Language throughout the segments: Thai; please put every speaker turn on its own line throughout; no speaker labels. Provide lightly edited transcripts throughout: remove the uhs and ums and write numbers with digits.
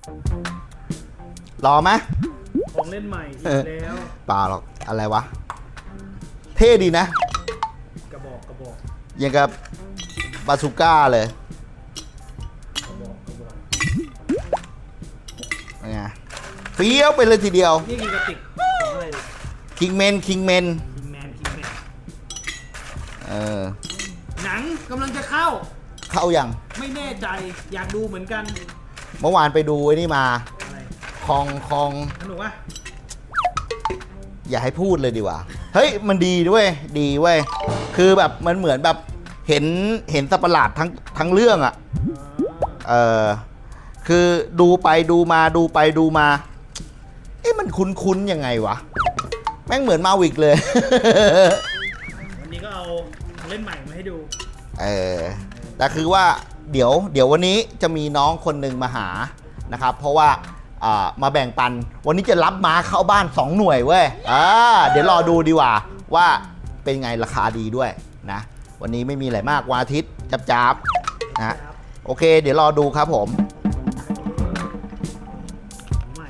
รอไหม
ของเล่นใหม่อีกแล้ว
เปล่าหรอกอะไรวะ เท่ดีนะ
กระบอก
อย่างกับบาซูก้าเลยไงเฟี้ยวไปเลยทีเดียว
นี่คือกระติกของอะไรเนี่ย
คิงเมน
คิงแมน หนังกำลังจะเข้า
เข้าอย่าง
ไม่แน่ใจอยากดูเหมือนกัน
เมื่อวานไปดูไอ้นี่มา
อะไร
คอง
สนุกอ่ะ
อย่าให้พูดเลยดีกว่า เฮ้ยมันดีด้วยดีเว้ยคือแบบมันเหมือนแบบเห็นสัตว์ประหลาดทั้งเรื่องอ่ะคือดูไปดูมาดูไปดูมาเอ๊ะมันคุ้นๆยังไงวะแม่งเหมือนมาวิกเลย
วันนี้ก็เอาของเล่นใหม่มาให้ดู
แต่คือว่าเดี๋ยววันนี้จะมีน้องคนหนึ่งมาหานะครับเพราะว่ามาแบ่งปันวันนี้จะรับม้าเข้าบ้าน2หน่วยเว้ยเดี๋ยวรอดูดีกว่าเป็นไงราคาดีด้วยนะวันนี้ไม่มีอะไรมากวันอาทิตย์จับๆนะโอเคเดี๋ยวรอดูครับผม
ของใหม่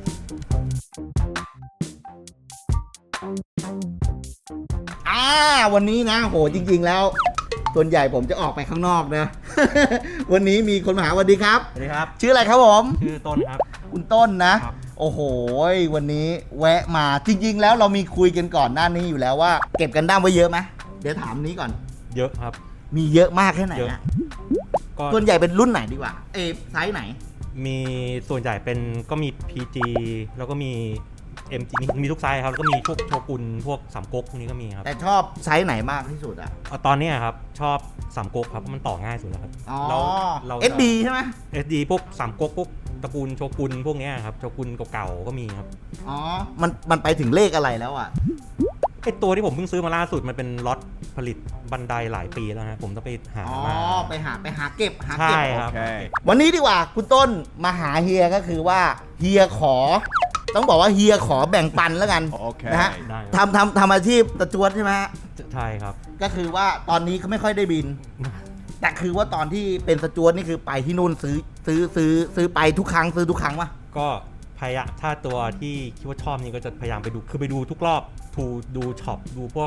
วันนี้นะโหจริงๆแล้วส่วนใหญ่ผมจะออกไปข้างนอกนะ วันนี้มีคนมาหาสวัสดีครับ
สวัสดีครับ
ชื่ออะไรครับผม
ชื่อต้นครับ
คุณต้นนะครับ โอ้โหวันนี้แวะมาจริงๆแล้วเรามีคุยกันก่อนหน้านี้อยู่แล้วว่าเก็บกันด้ามไว้เยอะไหมเดี๋ยวถามนี้ก่อน
เยอะครับ
มีเยอะมากแค่ไหน
เยอะ
อะ
ก็
ส่วนใหญ่เป็นรุ่นไหนดีกว่าไซส์ไหน
มีส่วนใหญ่เป็นก็มี PG แล้วก็มี MG มีทุกไซส์ครับแล้วก็มีพวกโชกุนพวกสามก๊กพวกนี้ก็มีครับ
แต่ชอบไซส์ไหนมากที่สุดอะ
ตอนนี้ครับชอบสามก๊กครับเพราะมันต่อง่ายสุดแล้วครับ
อ๋อ
เรา
SD ใช่ไหม
SD พวกสามก๊กพวกตระกูลโชกุนพวกเนี้ยครับโชกุนเก่าๆก็มีครับ
อ๋อมันไปถึงเลขอะไรแล้วอะ
ไอตัวที่ผมเพิ่งซื้อมาล่าสุดมันเป็นล็อตผลิตบันไดหลายปีแล้วฮะผมต้องไปหา
อ๋อ
มา
ไปหาเก็บ
ใช่ครับ
วันนี้ดีกว่าคุณต้นมาหาเฮียก็คือว่าเฮียขอ ต้องบอกว่าเฮียขอแบ่งปันแล้วกัน
โอเค
นะฮะ
ได้ครับ
ทำอาชีพตะจวดใช่ไหมฮะ
ใช่ครับ
ก็คือว่าตอนนี้เขาไม่ค่อยได้บิน แต่คือว่าตอนที่เป็นสจวตนี่คือไปที่นู่นซื้อไปทุกครั้งซื้อทุกครั้งวะ
ก็พยายามถ้าตัวที่คิดว่าชอบนี่ก็จะพยายามไปดูคือไปดูทุกรอบดูช็อปดูพวก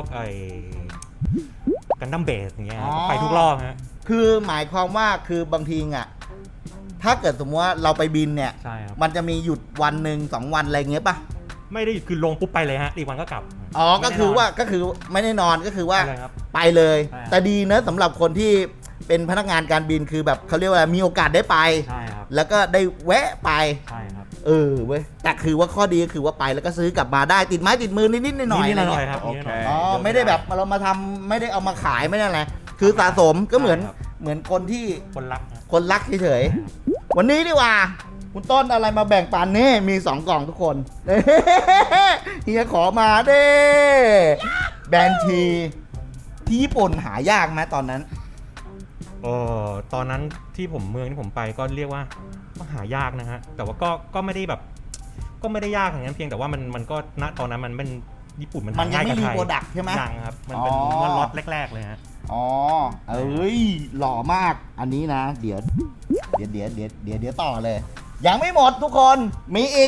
กันดั้มเบสอย่างเงี้ยครับไปทุกรอบฮะ
คือหมายความว่าคือบางทีอ่ะถ้าเกิดสมมติว่าเราไปบินเนี่ย
ใช่ครับ
มันจะมีหยุดวันหนึ่ง2 วันอะไรเงี้ยป่ะ
ไม่ได้คือลงปุ๊บไปเลยฮะอีกวันก็กลับ
อ๋อก็คือว่า
ไม่ได้นน
ก็คือไม่ได้นอนก็คือว่า
ไปเลยครับ
ไปเลย
ใช่ครับ
แต่ดีนะสำหรับคนที่เป็นพนักงานการบินคือแบบเขาเรียกว่ามีโอกาสได้ไป
ใช่ครับ
แล้วก็ได้แวะไป
ใช่ครับ
เว้ยแต่คือว่าข้อดีก็คือว่าไปแล้วก็ซื้อกลับมาได้ติดไม้ติดมือนิดๆหน่อยๆ
นิด
อะไร
ๆหน่อย
เงี้ย
ๆครับ
โอเค
นิดๆหน่อยๆ
อ๋อ
เยอะ
ไม่ได้แบบเรามาทำไม่ได้เอามาขายไม่ได้อะไรคือสะสมก็เหมือน
ใช่ครับ
เหมือนคนที่
คนรักฮะ
คนรักเฉยๆวันนี้ดีกว่า คุณต้นอะไรมาแบ่งปันนี่มี2 กล่องทุกคน เฮียขอมาเด้แบรนด์ทีที่ญี่ปุ่นหายากไหมตอนนั้น
ตอนนั้นที่ผมเมืองที่ผมไปก็เรียกว่าก็หายากนะฮะแต่ว่าก็ไม่ได้แบบก็ไม่ได้ยากอย่างนั้นเพียงแต่ว่ามันก็ณตอนนั้นมันเป็นญี่ปุ่นมัน
มัน
หา
ยัง
ง่าย
ไม่
กับ
รี
ไทย
โปรดักต์ใช่ไหม
ยังครับมันเป็น
อ๋อ
เมื่อล็อตแรกๆเลยฮะ
อ๋อเอ้ยหล่อมากอันนี้นะ เดี๋ยวต่อเลย ยังไม่หมดทุกคนมีอีก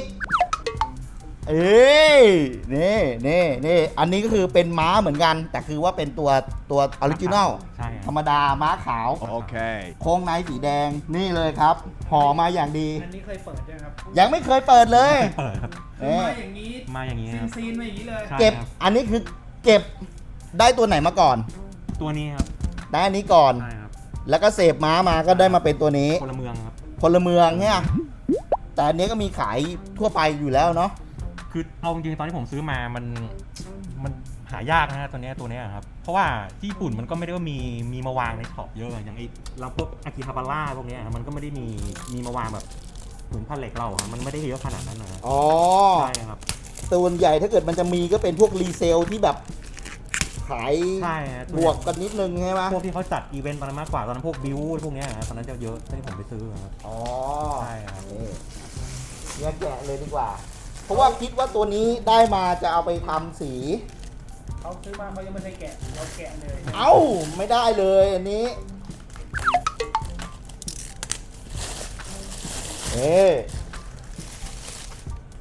นี่อันนี้ก็คือเป็นม้าเหมือนกัน แต่คือว่าเป็นตัวออริจินอล
ใช่ค
ธ
รั
ร
บ
รมดาม้าขาว
Okay.
โค้งในสีแดงนี่เลยครับห่อมาอย่างดี
อันนี้เคยเปิดยังครับ
ยังไม่เคยเปิดเลย
เปิดครับ
คือมาอย่างนี้
มาอย่างนี้ครับ
ซีนมาอย่างนี้เลย
ใช่
เก็บ
ครับ
อันนี้คือเก็บได้ตัวไหนมาก่อน
ตัวนี้ครับ
ได้อันนี้ก่อน
ใช่ครับ
แล้วก็เสพม้ามาก็ได้มาเป็นตัวนี้
พลเมืองครับ
พลเมืองเนี่ยแต่อันนี้ก็มีขายทั่วไปอยู่แล้วเนาะ
คือเอาจริงๆตอนที่ผมซื้อมามันหายากนะฮะตัวเนี้ยครับเพราะว่าที่ญี่ปุ่นมันก็ไม่ได้ว่ามีมาวางในช็อปเยอะอย่างไอ้เราพวกอากิฮาบาร่าพวกเนี้ยมันก็ไม่ได้มีมาวางแบบเหมือนพันเหล็กเราอะมันไม่ได้เยอะขนาดนั้นนะ
อ๋อ
ใช่ครับ
ส่วนใหญ่ถ้าเกิดมันจะมีก็เป็นพวกรีเซลที่แบบขาย
ใช่ฮะ
บวกกันนิดนึงใช่ไหม
พวกที่เขาจัดอีเวนต์ตอนนั้นมากกว่าตอนนั้นพวกบิวพวกเนี้ยนะตอนนั้นจะเยอะที่ผมไปซื้อครับ
อ๋อ
ใช่ครับ
นี่เนี่ยแกะเลยดีกว่า เพราะว่าคิดว่าตัวนี้ได้มาจะเอาไปทำสี
เขาซื้อมาเขายังไม่ได้แกะเราแกะเลย
เอ้าไม่ได้เลยอันนี้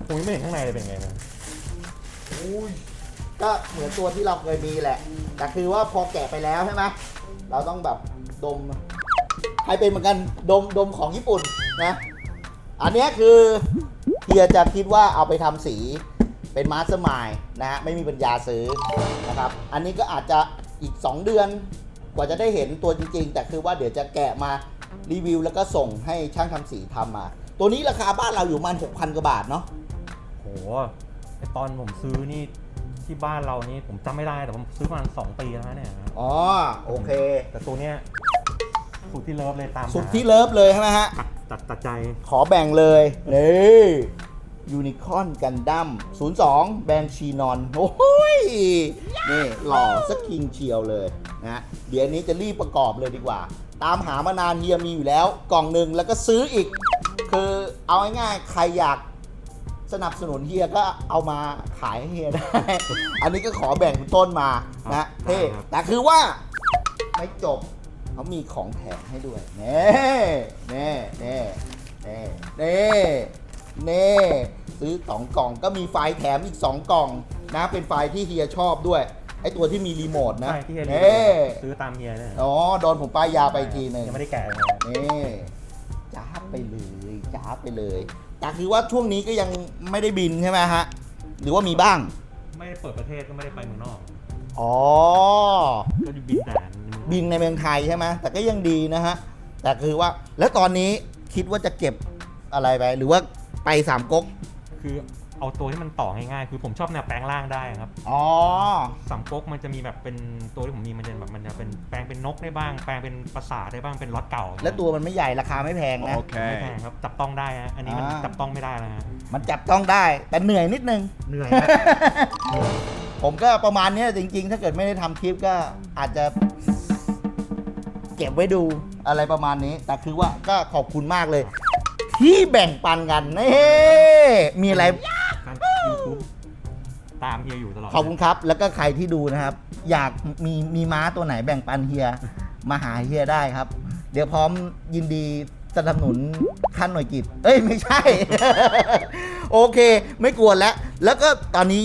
ผมยังไม่เห็นข้างในเลยเป็นไงนะ
อุ้ยก็เหมือนตัวที่เราเคยมีแหละ แต่คือว่าพอแกะไปแล้วใช่ไหมเราต้องแบบดมใครเป็นเหมือนกันดมของญี่ปุ่นนะ อันเนี้ยคือเฮียจะคิดว่าเอาไปทำสีเป็นมาสเตอร์มายด์นะฮะไม่มีปัญญาซื้อนะครับ อันนี้ก็อาจจะอีก 2 เดือนกว่าจะได้เห็นตัวจริงๆ แต่คือว่าเดี๋ยวจะแกะมารีวิวแล้วก็ส่งให้ช่างทำสีทำมา ตัวนี้ราคาบ้านเราอยู่ประมาณ 6,000 กว่าบาทเนาะ
โหไอตอนผมซื้อนี่ที่บ้านเรานี่ผมจำไม่ได้แต่ผมซื้อมา2 ปีแล้วเนี่ย
อ๋อโอเค
แต่ตัวเนี้ยสุดที่เลิฟเลยตามหา
สุดที่เลิฟเลยใช่ไหมฮะ
ตัดใจ
ขอแบ่งเลยนี่ยูนิคอร์นกันดั้ม02 แบรนด์ชีนอน โอ้ย นี่หล่อสักคิงเชียวเลยนะเดี๋ยวนี้จะรีบประกอบเลยดีกว่า ตามหามานานเฮียมีอยู่แล้วกล่องหนึ่งแล้วก็ซื้ออีก คือเอาง่ายๆใครอยากสนับสนุนเฮียก็เอามาขายให้เฮียได้ อันนี้ก็ขอแบ่งคุณต้นมานะเท่แต่คือว่าไม่จบเขามีของแถมให้ด้วยเน่เน่เน่เน่เน่เน่ซื้อ2 กล่องก็มีไฟล์แถมอีก2 กล่องนะเป็นไฟล์ที่เฮียชอบด้วยไอตัวที่มีรีโมทนะ
ใช่ที่เฮีย
เน่
ซื้อตามเฮียเนี่ย
อ๋อโดนผมป้ายยาไปอีกทีหนึง
ยังไม่ได้แกะเลย
นี่จ้าบไปเลยจ้าบไปเลยแต่คือว่าช่วงนี้ก็ยังไม่ได้บินใช่ไหมฮะหรือว่ามีบ้าง
ไม่ได้เปิดประเทศก็ไม่ได้ไปเมืองนอก
อ๋อ
ก็บินแต่
บินในเมืองไทยใช่ไหมแต่ก็ยังดีนะฮะ แต่คือว่าแล้วตอนนี้คิดว่าจะเก็บอะไรไป หรือว่าไป3 ก๊ก
คือเอาตัวที่มันต่อง่ายๆคือผมชอบแนวแปลงร่างได้ครับ
อ๋อ
สามก๊กมันจะมีแบบเป็นตัวที่ผมมีมันจะแบบมันจะเป็นแปลงเป็นนกได้บ้าง แปลงเป็นปราสาทได้บ้างเป็นรถเก่า
แล้วตัวมันไม่ใหญ่ราคาไม่แพงนะ
ไม่แพงครับจับต้องได้ฮะอันนี้มัน
อ่า
จับต้องไม่ได้แล้วฮะ
มันจับต้องได้ แต่เหนื่อยนิดนึง
เหนื่อยฮะ
ผมก็ประมาณเนี้ยจริงๆ ถ้าเกิดไม่ได้ทำคลิปก็อาจจะเก็บไว้ดูอะไรประมาณนี้ แต่คือว่าก็ขอบคุณมากเลย ที่แบ่งปันกันนี่มีอะไร
การยูทูบตามเฮียอยู่ตลอด
ขอบคุณครับ แล้วก็ใครที่ดูนะครับ อยากมีม้าตัวไหนแบ่งปันเฮียมาหาเฮียได้ครับ เดี๋ยวพร้อมยินดีสนับสนุนขั้นหน่วยกิจเอ้ยไม่ใช่ โอเค ไม่กวนแล้ว แล้วก็ตอนนี้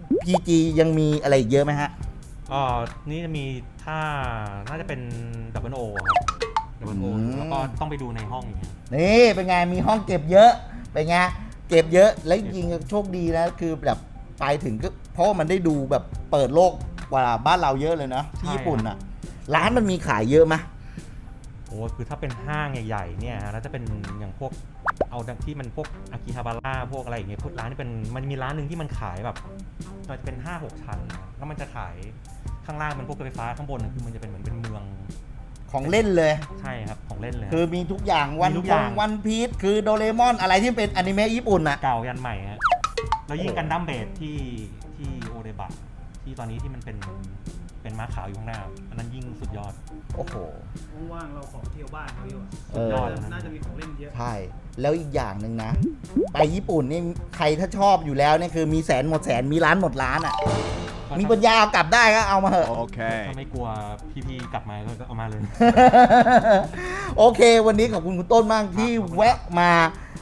PG ยังมีอะไรอีกเยอะไหมฮะ
นี่จะมีถ้าน่าจะเป็นดับเบิลโอครับดับเบิลโอ
อืม
แล้วก็ต้องไปดูในห้องอย่างเงี้ย
นี่เป็นไงมีห้องเก็บเยอะเป็นไงเก็บเยอะแล้วจริงๆโชคดีนะคือแบบไปถึงก็เพราะว่ามันได้ดูแบบเปิดโลกกว่าบ้านเราเยอะเลยนะที่ญี่ปุ่นอ่ะ ร้านมันมีขายเยอะไหม
โอ้คือถ้าเป็นห้างใหญ่ๆเนี่ยฮะแล้วจะเป็นอย่างพวกเอาที่มันพวกอากิฮาบาร่าพวกอะไรอย่างเงี้ยพวกร้านที่เป็นมันมีร้านหนึ่งที่มันขายแบบมันจะเป็น 5-6 ชั้นนะแล้วมันจะขายข้างล่างเป็นพวกรถไฟฟ้าข้างบนคือมันจะเป็นเหมือนเป็นเมือง
ของเล่นเลย
ใช่ครับของเล่นเลย
คือมีทุกอย่างวัน
มีทุกอย่าง
วันพีชคือโดเรมอนอะไรที่เป็นอนิเมะญี่ปุ่นอ่ะ
เก่ายันใหม่ฮะแล้วยิ่งกันดั้มเบสที่โอเดบะที่ตอนนี้ที่มันเป็นม้าขาวอยู่ข้างหน้าอันนั้นยิ่งสุดยอด
โอ้โห
ว่างๆเราขอเที่ยวบ้านเขาอยู่อะ
เออ
น่าจะมีของเล่นเยอะ
ใช่ แล้วอีกอย่างหนึ่งนะ ไปญี่ปุ่นนี่ใครถ้าชอบอยู่แล้วเนี่ยคือมีแสนหมดแสนมีร้านหมดร้านอ่ะ มีปัญญาเอากลับได้ก็เอามาเถอะ
ถ้าไม่กลัวพี่ๆกลับมาก็เอามาเลย
โอเค วันนี้ขอบคุณคุณต้นมากที่แวะมา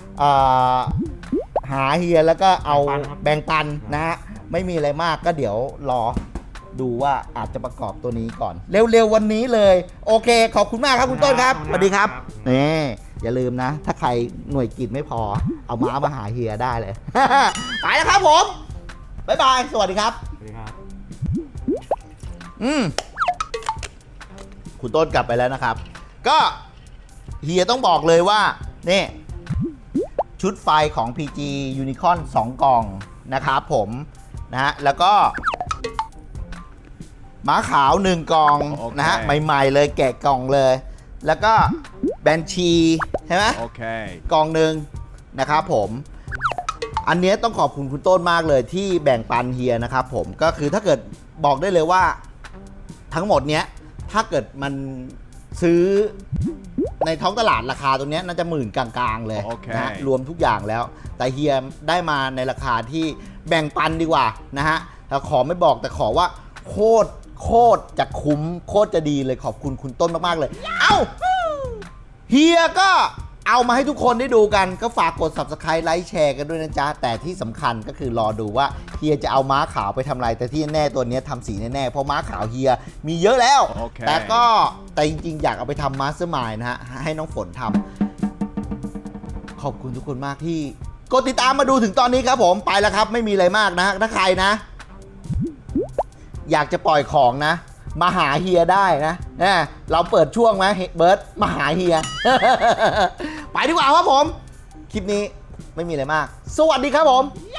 หาเฮียแล้วก็เอาแบ่งปันนะฮะไม่มีอะไรมากก็เดี๋ยวรอดูว่าอาจจะประกอบตัวนี้ก่อน เร็วๆวันนี้เลย โอเค ขอบคุณมากครับคุณต้นครับสวัสดีครับนี่อย่าลืมนะ ถ้าใครหน่วยกิจไม่พอ เอาม้ามาหาเฮียได้เลย ไปแล้วครับผม บ๊ายบาย สวัสดีครับ
สวัสดีครับ
คุณต้นกลับไปแล้วนะครับ ก็เฮียต้องบอกเลยว่านี่ชุดไฟของ PG Unicorn 2 กล่องนะครับผมนะฮะแล้วก็ม้าขาว 1 กล่องนะฮะใหม่ๆเลยแกะกล่องเลย แล้วก็แบนชีใช่ไหมกล่องหนึ่งนะครับผมอันนี้ต้องขอบคุณคุณต้นมากเลยที่แบ่งปันเฮียนะครับผมก็คือถ้าเกิดบอกได้เลยว่าทั้งหมดเนี้ยถ้าเกิดมันซื้อในท้องตลาดราคาตรงนี้น่าจะหมื่นกลางๆเลยนะรวมทุกอย่างแล้ว แต่เฮียได้มาในราคาที่แบ่งปันดีกว่านะฮะแล้วขอไม่บอกแต่ขอว่าโคตรจะคุ้มโคตรจะดีเลยขอบคุณคุณต้นมากๆเลย เอ้าเฮียก็เอามาให้ทุกคนได้ดูกันก็ฝากกด Subscribe ไลค์แชร์กันด้วยนะจ๊ะแต่ที่สำคัญก็คือรอดูว่าเฮียจะเอาม้าขาวไปทำอะไรแต่ที่แน่ตัวนี้ทำสีแน่ๆเพราะม้าขาวเฮียมีเยอะแล้ว แต่จริงๆอยากเอาไปทำมาสเตอร์มายนะฮะให้น้องฝนทำขอบคุณทุกคนมากที่กดติดตามมาดูถึงตอนนี้ครับผมไปแล้วครับไม่มีอะไรมากนะถ้าใครนะ อยากจะปล่อยของนะมาหาเฮียได้นะเราเปิดช่วงไหมเบิร์ตมาหาเฮีย ไปดีกว่าครับผม คลิปนี้ไม่มีอะไรมาก สวัสดีครับผม